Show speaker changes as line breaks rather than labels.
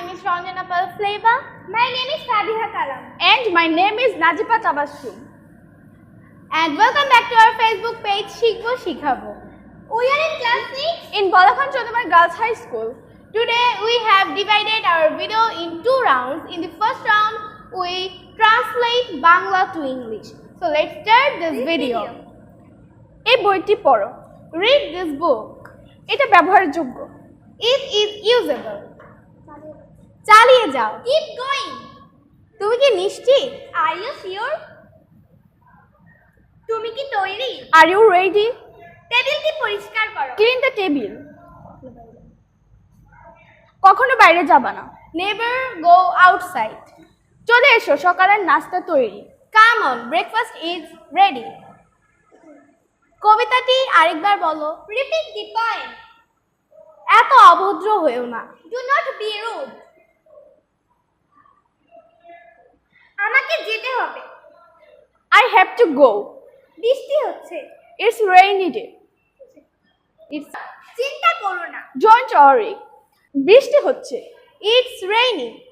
is Ranjana Palfleva.
My name is Fabiha Kalam.
And my name is Najipa Tabassum.
And welcome back to our Facebook page, Shikbo Shikhabo.
We are in class 6
In Bolakhan Chodamar Girls High School.
Today we have divided our video in 2 rounds. In the first round, we translate Bangla to English. So let's start this video.
এই বইটি পড়ো।
Read this book.
এটা ব্যবহারযোগ্য।
It is usable. চালিয়ে যাও।
Keep going.
তুমি কি নিশ্চিত?
Are you sure? তুমি কি তৈরি?
Are you ready?
টেবিলটি পরিষ্কার করো।
Clean the table. কখনো বাইরে যাবা না।
Never go outside.
চলে এসো, সকালের নাস্তা তৈরি।
Come on, breakfast is ready. কবিতাটি আরেকবার বলো।
Repeat the poem.
এত অভদ্র হয়েও না।
Do not be rude. আমাকে যেতে হবে।
I have to go.
বৃষ্টি হচ্ছে।
It's rainy day.
চিন্তা করো না।
Don't worry. বৃষ্টি হচ্ছে।
It's raining.